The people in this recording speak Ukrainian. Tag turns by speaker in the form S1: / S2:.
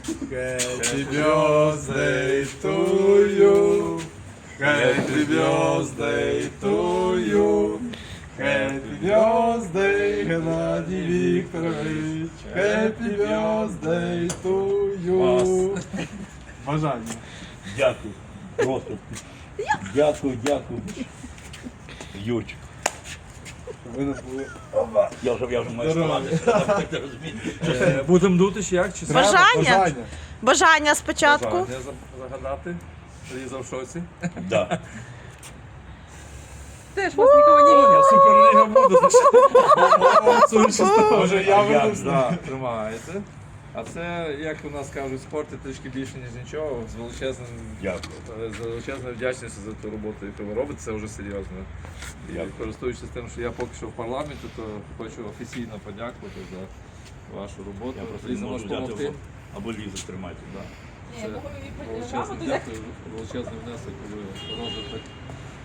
S1: Happy birthday to you. Happy birthday to you. Happy birthday, Геннадій Вікторович. Happy birthday to you. Бажання.
S2: Дякую. Просто. Дякую. Юрчик.
S1: Ви не були.
S2: Я вже маю
S1: Здоров'я.
S2: ставати. Так розумієте.
S3: Будемо дути чи як? Чи
S4: Бажання? Бажання спочатку.
S3: Бажання загадати. Ліза в шоці.
S2: Да.
S5: Теж вас нікого не
S3: Я суперліга буду.
S1: Може, я
S2: Як?
S1: веду.
S3: Да, тримаєте. А це, як у нас кажуть, спорт – трішки більше, ніж нічого. З величезною вдячністю за ту роботу, яку ви робите, це вже серйозно. І
S2: Дякую.
S3: користуючись тим, що я поки що в парламенті, то хочу офіційно подякувати за вашу роботу.
S2: Я просто
S3: Ліза
S2: не
S3: може
S2: можу
S3: допомогти.
S2: взяти або Лізу тримати.
S3: Це величезний дякую, величезний внесок у розвиток